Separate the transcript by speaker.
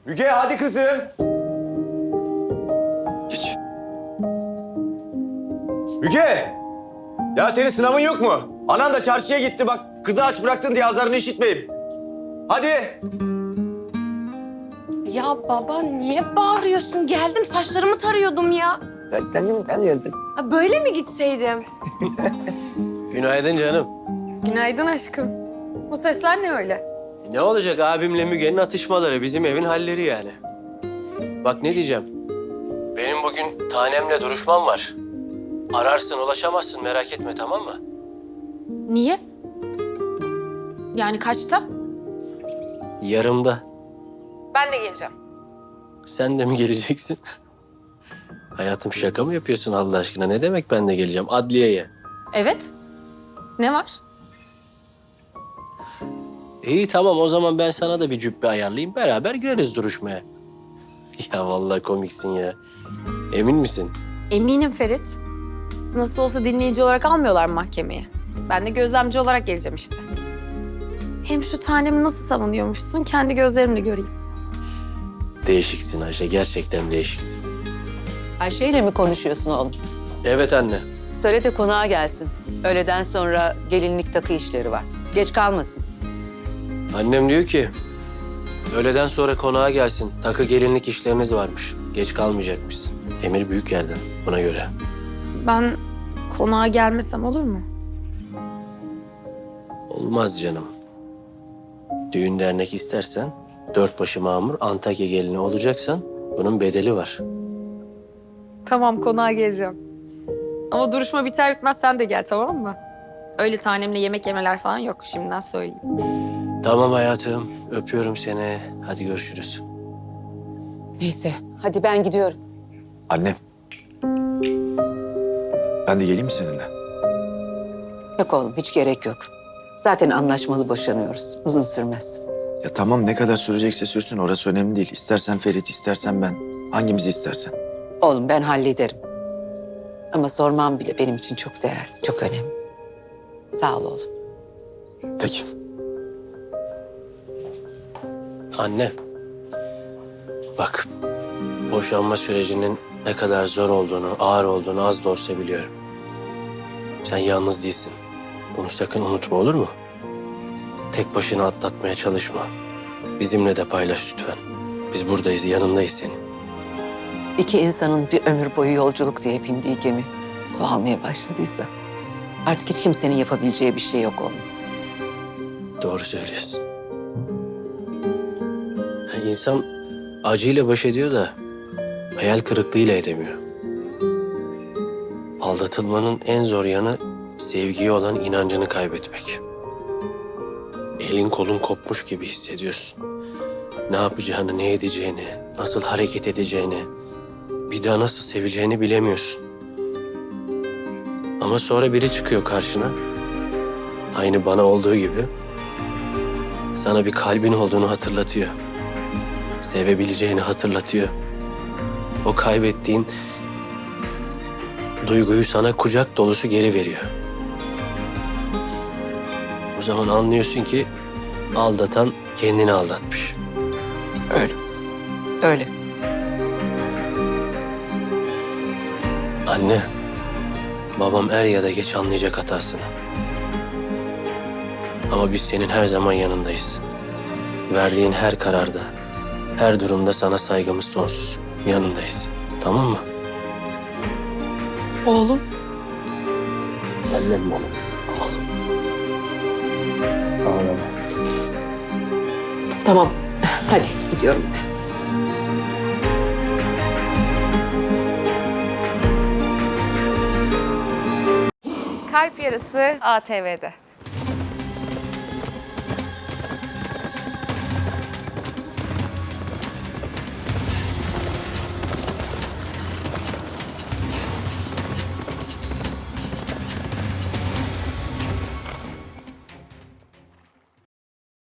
Speaker 1: Müge hadi kızım. Geç. Müge! Ya senin sınavın yok mu? Anan da çarşıya gitti bak. Kızı aç bıraktın diye azarını işitmeyeyim. Hadi.
Speaker 2: Ya baba niye bağırıyorsun? Geldim saçlarımı tarıyordum ya.
Speaker 1: Kendimi tanıyordum.
Speaker 2: Ha, böyle mi gitseydim?
Speaker 3: Günaydın canım.
Speaker 4: Günaydın aşkım. Bu sesler ne öyle?
Speaker 3: Ne olacak abimle Müge'nin atışmaları, bizim evin halleri yani. Bak ne diyeceğim. Benim bugün tanemle duruşmam var. Ararsın ulaşamazsın merak etme tamam mı?
Speaker 4: Niye? Yani kaçta?
Speaker 3: Yarımda.
Speaker 4: Ben de geleceğim.
Speaker 3: Sen de mi geleceksin? Hayatım şaka mı yapıyorsun Allah aşkına? Ne demek ben de geleceğim? Adliyeye.
Speaker 4: Evet. Ne var?
Speaker 3: İyi tamam o zaman ben sana da bir cübbe ayarlayayım. Beraber gireriz duruşmaya. Ya vallahi komiksin ya. Emin misin?
Speaker 4: Eminim Ferit. Nasıl olsa dinleyici olarak almıyorlar mahkemeye. Ben de gözlemci olarak geleceğim işte. Hem şu tanemi nasıl savunuyormuşsun kendi gözlerimle göreyim.
Speaker 3: Değişiksin Ayşe. Gerçekten değişiksin.
Speaker 5: Ayşe ile mi konuşuyorsun oğlum?
Speaker 3: Evet anne.
Speaker 5: Söyle de konağa gelsin. Öğleden sonra gelinlik takı işleri var. Geç kalmasın.
Speaker 3: Annem diyor ki öğleden sonra konağa gelsin. Takı gelinlik işleriniz varmış. Geç kalmayacakmışsın. Emir büyük yerden ona göre.
Speaker 4: Ben konağa gelmesem olur mu?
Speaker 3: Olmaz canım. Düğün dernek istersen dört başı mamur Antakya gelini olacaksan bunun bedeli var.
Speaker 4: Tamam konağa geleceğim. Ama duruşma biter bitmez sen de gel tamam mı? Öyle tanemle yemek yemeler falan yok şimdiden söyleyeyim.
Speaker 3: Tamam hayatım. Öpüyorum seni. Hadi görüşürüz.
Speaker 5: Neyse hadi ben gidiyorum.
Speaker 1: Annem. Ben de geleyim mi seninle?
Speaker 5: Yok oğlum hiç gerek yok. Zaten anlaşmalı boşanıyoruz. Uzun sürmez.
Speaker 1: Ya tamam ne kadar sürecekse sürsün orası önemli değil. İstersen Ferit istersen ben. Hangimizi istersen.
Speaker 5: Oğlum ben hallederim. Ama sormam bile benim için çok değerli, çok önemli. Sağ ol oğlum.
Speaker 1: Peki.
Speaker 3: Anne. Bak. Boşanma sürecinin ne kadar zor olduğunu, ağır olduğunu az da olsa biliyorum. Sen yalnız değilsin. Bunu sakın unutma olur mu? Tek başına atlatmaya çalışma. Bizimle de paylaş lütfen. Biz buradayız, yanındayız senin.
Speaker 5: İki insanın bir ömür boyu yolculuk diye bindiği gemi su almaya başladıysa artık hiç kimsenin yapabileceği bir şey yok oğlum.
Speaker 3: Doğru söylüyorsun. İnsan acıyla baş ediyor da hayal kırıklığıyla edemiyor. Aldatılmanın en zor yanı sevgiye olan inancını kaybetmek. Elin kolun kopmuş gibi hissediyorsun. Ne yapacağını, ne edeceğini, nasıl hareket edeceğini, bir daha nasıl seveceğini bilemiyorsun. Ama sonra biri çıkıyor karşına. Aynı bana olduğu gibi sana bir kalbin olduğunu hatırlatıyor. Sevebileceğini hatırlatıyor. O kaybettiğin duyguyu sana kucak dolusu geri veriyor. O zaman anlıyorsun ki aldatan kendini aldatmış.
Speaker 5: Öyle. Öyle.
Speaker 3: Anne, babam er ya da geç anlayacak hatasını. Ama biz senin her zaman yanındayız. Verdiğin her kararda, her durumda sana saygımız sonsuz. Yanındayız. Tamam mı?
Speaker 5: Oğlum.
Speaker 3: Annem benim. Oğlum. Ağlama.
Speaker 5: Tamam. Hadi gidiyorum ben.
Speaker 2: Kalp Yarısı ATV'de.